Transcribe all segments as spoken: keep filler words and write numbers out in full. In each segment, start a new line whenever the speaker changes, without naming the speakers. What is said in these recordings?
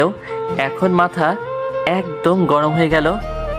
এখন মাথা একদম গরম হয়ে গেল।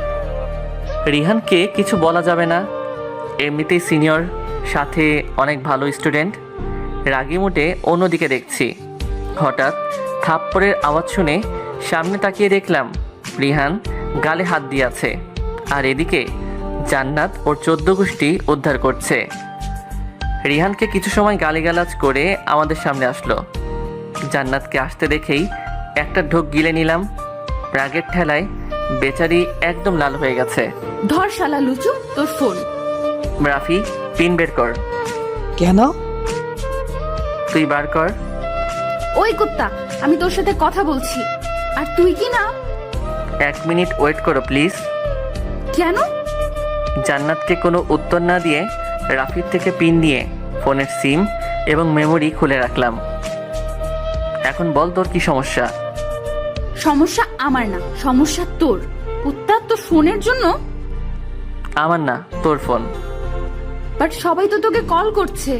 রিহানকে কিছু বলা যাবে না, এমনিতেই সিনিয়র, সাথে অনেক ভালো স্টুডেন্ট। রাগি মুটে অন্যদিকে দেখছি। হঠাৎ থাপ্পড়ের আওয়াজ শুনে সামনে তাকিয়ে দেখলাম রিহান গালে হাত দিয়ে আছে, আর এদিকে জান্নাত ওর চোদ্দ গোষ্ঠী উদ্ধার করছে। রিহানকে কিছু সময় গালিগালাজ করে আমাদের সামনে আসলো। জান্নাতকে আসতে দেখেই একটা ঢোক গিলে নিলাম। রাগের ঠেলায় বেচারি একদম লাল হয়ে গেছে।
ধর শালা লুচু, তোর ফোন।
রাফি, পিন বের কর।
কেন?
তুই বার কর।
ওই কুত্তা, আমি তোর সাথে কথা বলছি, আর তুই কি না?
এক মিনিট ওয়েট করো প্লিজ।
কেন?
জান্নাতকে কোনো উত্তর না দিয়ে রাফির থেকে পিন নিয়ে ফোনের সিম এবং মেমোরি খুলে রাখলাম। এখন বল তোর কি সমস্যা?
সমস্যা আমার না, সমস্যা তোর। কুত্তা, তোর ফোনের জন্য।
আমার না, তোর ফোন।
বাট সবাই তো তোকে কল করছে।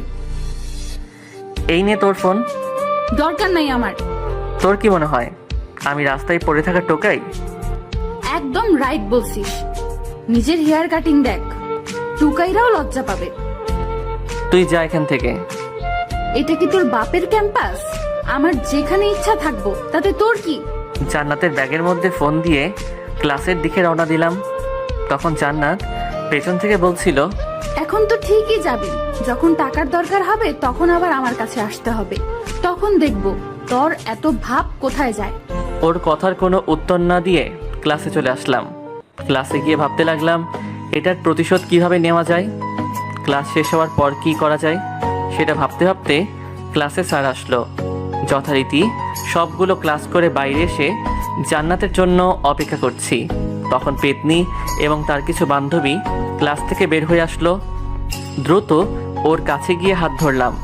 এই নে তোর ফোন।
দরকার নাই আমার।
তোর কি মনে হয় আমি রাস্তায় পড়ে থাকা টোকাই?
একদম রাইট বলছিস। নিজের হেয়ার কাটিং দেখ, টুকাইরাও লজ্জা পাবে।
তুই যা এখান থেকে।
এটা কি তোর বাপের ক্যাম্পাস? আমার যেখানে ইচ্ছা থাকবো, তাতে তোর কি?
জান্নাতের ব্যাগের মধ্যে ফোন দিয়ে ক্লাসের দিকে রওনা দিলাম। তখন জান্নাত পেছন থেকে বলছিল,
এখন তো ঠিকই যাবি, যখন টাকার দরকার হবে তখন আবার আমার কাছে আসতে হবে, তখন দেখবো তোর এত ভাব কোথায় যায়।
ওর কথার কোনো উত্তর না দিয়ে ক্লাসে চলে আসলাম। ক্লাসে গিয়ে ভাবতে লাগলাম এটার প্রতিশোধ কিভাবে নেওয়া যায়। ক্লাস শেষ হওয়ার পর কি করা যায় সেটা ভাবতে ভাবতে ক্লাসে স্যার আসলো। যথারীতি সবগুলো ক্লাস করে বাইরে এসে জান্নাতের জন্য অপেক্ষা করছি। তখন পেতনি এবং তার কিছু বান্ধবী ক্লাস থেকে বের হয়ে আসলো। দ্রুত ওর কাছে গিয়ে হাত ধরলাম।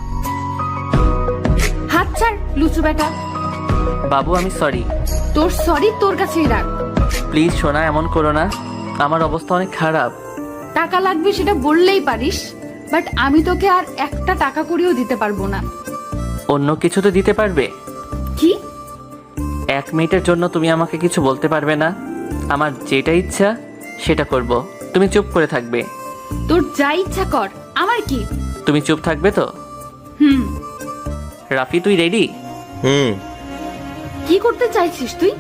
হাত ছাড় লুচু বেটা।
বাবু আমি সরি।
তোর সরি তোর কাছেই রাখ।
প্লিজ সোনা, এমন করো না, আমার অবস্থা অনেক খারাপ।
টাকা লাগবে সেটা বললেই পারিস, বাট আমি তোকে আর একটা টাকা করিও দিতে পারবো না।
অন্য কিছু তো দিতে পারবে।
কি?
এক মিনিটের জন্য তুমি আমাকে কিছু বলতে পারবে না? আমার যেটা ইচ্ছা সেটা করব, তুমি চুপ করে থাকবে।
তোর যা ইচ্ছা কর, আমার কি?
তুমি চুপ থাকবে তো?
হুম।
রাফি, তুই রেডি?
হুম।
কি করতে চাইছিস তুই?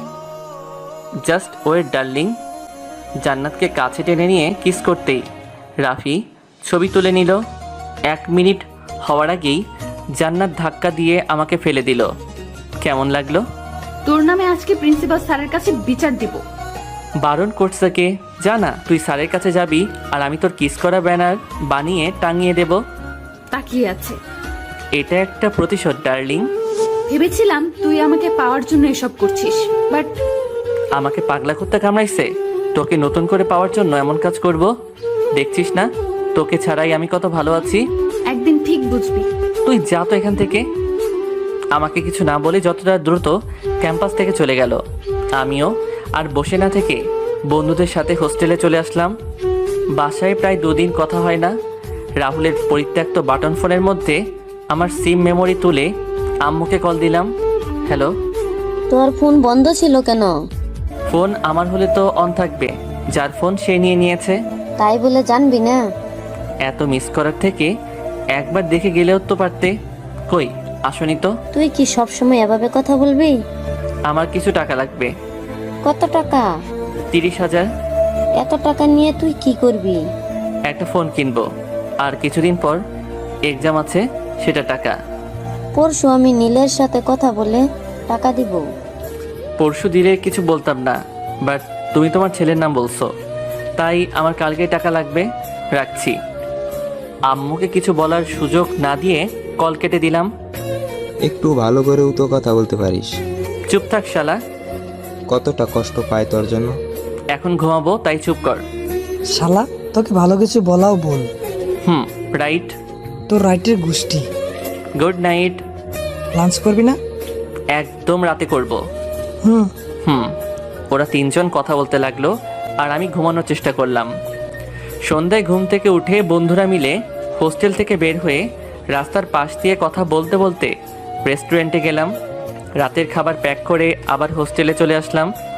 Just wait darling. জান্নাতকে কাছে টেনে নিয়ে কিস করতেই রাফি ছবি তুলে নিল। এক মিনিট হওয়ার আগেই জান্নাত ধাক্কা দিয়ে আমাকে ফেলে দিল। কেমন লাগলো?
তোর নামে আজকে প্রিন্সিপাল স্যারের কাছে বিচার দিব।
বারণ করছে কে? জানা তুই স্যারের কাছে যাবি আর আমি তোর কিস করা ব্যানার বানিয়ে টাঙিয়ে দেব।
তাকিয়ে আছে।
এটা একটা প্রতিশোধ ডার্লিং।
ভেবেছিলাম তুই আমাকে পাওয়ার জন্য এসব করছিস, বাট
আমাকে পাগলা কুত্তা কামড়াইছে, তোকে নতুন করে পাওয়ার জন্য এমন কাজ করব? দেখছিস না তোকে ছাড়াই আমি কত ভালো আছি।
একদিন ঠিক বুঝবি।
তুই যা তো এখান থেকে। আমাকে কিছু না বলে যতটা দ্রুত ক্যাম্পাস থেকে চলে গেল। আমিও আর বসে না থেকে বন্ধুদের সাথে হোস্টেলে চলে আসলাম। বাসায় প্রায় দুদিন কথা হয় না। রাহুলের পরিত্যক্ত বাটন ফোনের মধ্যে আমার সিম মেমোরি তুলে আম্মুকে কল দিলাম। হ্যালো।
তোর ফোন বন্ধ ছিল কেন?
ফোন আমার হলে তো অন থাকবে, যার ফোন সে নিয়ে নিয়েছে।
তাই বলে জানবি না?
এত মিস করার থেকে একবার দেখে গেলেও তো পারতে। কই আসনি তো?
তুই কি সব সময় এভাবে কথা বলবি?
আমার কিছু টাকা লাগবে।
কত টাকা?
তিরিশ হাজার।
এত টাকা নিয়ে তুই কি করবি?
একটা ফোন কিনবো, আর কিছুদিন পর এক্সাম আছে, সেটা টাকা।
পরশু আমি নীলের সাথে কথা বলে টাকা দিব।
পরশু দিলে কিছু বলতাম না, বাট তুমি তোমার ছেলের নাম বলছো, তাই আমার কালকে টাকা লাগবে। রাখছি। আম্মুকে কিছু বলার সুযোগ না দিয়ে কল কেটে দিলাম।
একটু ভালো করেও তো কথা বলতে পারিস।
চুপ থাক শালা।
কতটা কষ্ট পায় তোর জন্য।
এখন ঘুমাবো, তাই চুপ কর।
শালা, তোকে ভালো কিছু বলাও বল।
হুম, রাইট।
তোর রাইটের গোষ্ঠী।
Good night.
লাঞ্চ করবি না?
একদম রাতে করব।
হুম।
হুম। ওরা তিনজন কথা বলতে লাগলো আর আমি ঘুমানোর চেষ্টা করলাম। সন্ধ্যায় ঘুম থেকে উঠে বন্ধুরা মিলে হোস্টেল থেকে বের হয়ে রাস্তার পাশ দিয়ে কথা বলতে বলতে রেস্টুরেন্টে গেলাম। রাতের খাবার প্যাক করে আবার হোস্টেলে চলে আসলাম।